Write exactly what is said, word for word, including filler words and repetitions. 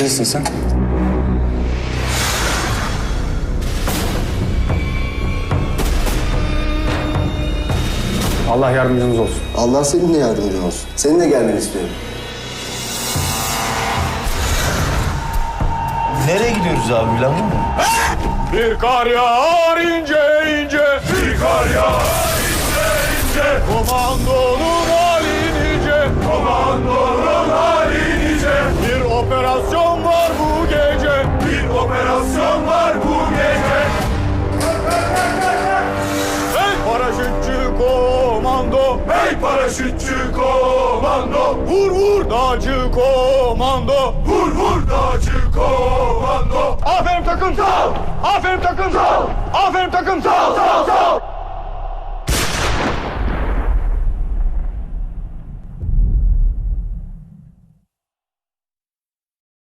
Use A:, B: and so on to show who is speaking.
A: Neredesin sen? Allah yardımcınız olsun.
B: Allah seninle yardımcın olsun. Seninle gelmeni istiyorum.
C: Nereye gidiyoruz abi bilen var mı?
D: Bir kar yağar ince ince, bir kar yağar ince ince. Komandonun hali nice, komandonun hali nice. Bir operasyon var bu gece, bir operasyon var bu gece. Hey paraşütçü komando, hey paraşütçü komando. Vur vur dağcı komando, vur vur dağcı komando. Aferin takım sağ ol. Aferin takım sağ ol. Aferin takım sağ ol.